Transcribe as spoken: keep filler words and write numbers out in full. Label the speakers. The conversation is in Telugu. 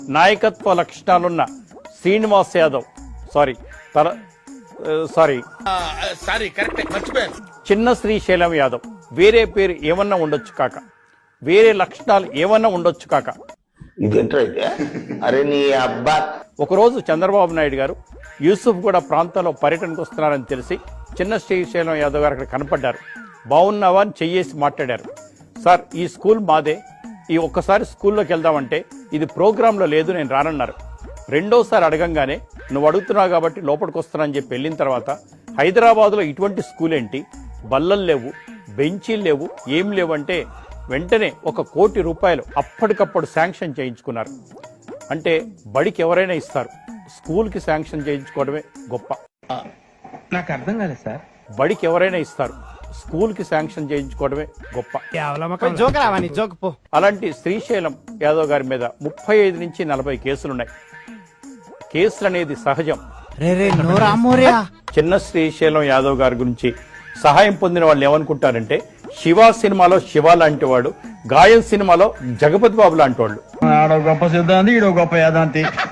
Speaker 1: నాయకత్వ లక్షణాలున్న శ్రీనివాస్ యాదవ్ సారీ తల సారీ
Speaker 2: సారీ కరెక్ట్ మర్చిపోయాను
Speaker 1: చిన్న శ్రీశైలం యాదవ్ వేరే పేరు ఏమన్నా ఉండొచ్చు కాక, వేరే లక్షణాలు ఏమన్నా ఉండొచ్చు కాక.
Speaker 3: ఇదేంటైతే అరే నీ అబ్బా.
Speaker 1: ఒకరోజు చంద్రబాబు నాయుడు గారు యూసుఫ్ కూడా ప్రాంతంలో పర్యటనకు వస్తున్నారని తెలిసి చిన్న శ్రీశైలం యాదవ్ గారు అక్కడ కనపడ్డారు. బాగున్నావా అని చెయ్యేసి మాట్లాడారు. సార్ ఈ స్కూల్ మాదే, ఈ ఒక్కసారి స్కూల్లోకి వెళ్దామంటే ఇది ప్రోగ్రాంలో లేదు, నేను రానన్నారు. రెండోసారి అడగంగానే నువ్వు అడుగుతున్నావు కాబట్టి లోపలికి వస్తున్నానని చెప్పి వెళ్ళిన తర్వాత హైదరాబాద్లో ఇటువంటి స్కూల్ ఏంటి, బల్లలు లేవు, బెంచీలు లేవు, ఏం లేవు అంటే వెంటనే ఒక కోటి రూపాయలు అప్పటికప్పుడు శాంక్షన్ చేయించుకున్నారు. అంటే బడికి ఎవరైనా ఇస్తారు, స్కూల్కి శాంక్షన్ చేయించుకోవడమే గొప్ప.
Speaker 2: నాకు అర్థం కాలేదు సార్.
Speaker 1: బడికి ఎవరైనా ఇస్తారు, స్కూల్కి శాంక్షన్ చేయించుకోవడమే గొప్ప. అలాంటి శ్రీశైలం యాదవ్ గారి మీద ముప్పై ఐదు నుంచి నలభై కేసులున్నాయి. కేసులు అనేది సహజం. చిన్న శ్రీశైలం యాదవ్ గారి గురించి సహాయం పొందిన వాళ్ళు ఏమనుకుంటారంటే శివ సినిమాలో శివ లాంటి వాడు, గాయం సినిమాలో జగపతి బాబు లాంటి వాళ్ళు.
Speaker 4: గొప్ప సిద్ధాంతి, ఈడో గొప్ప యాదాంతి.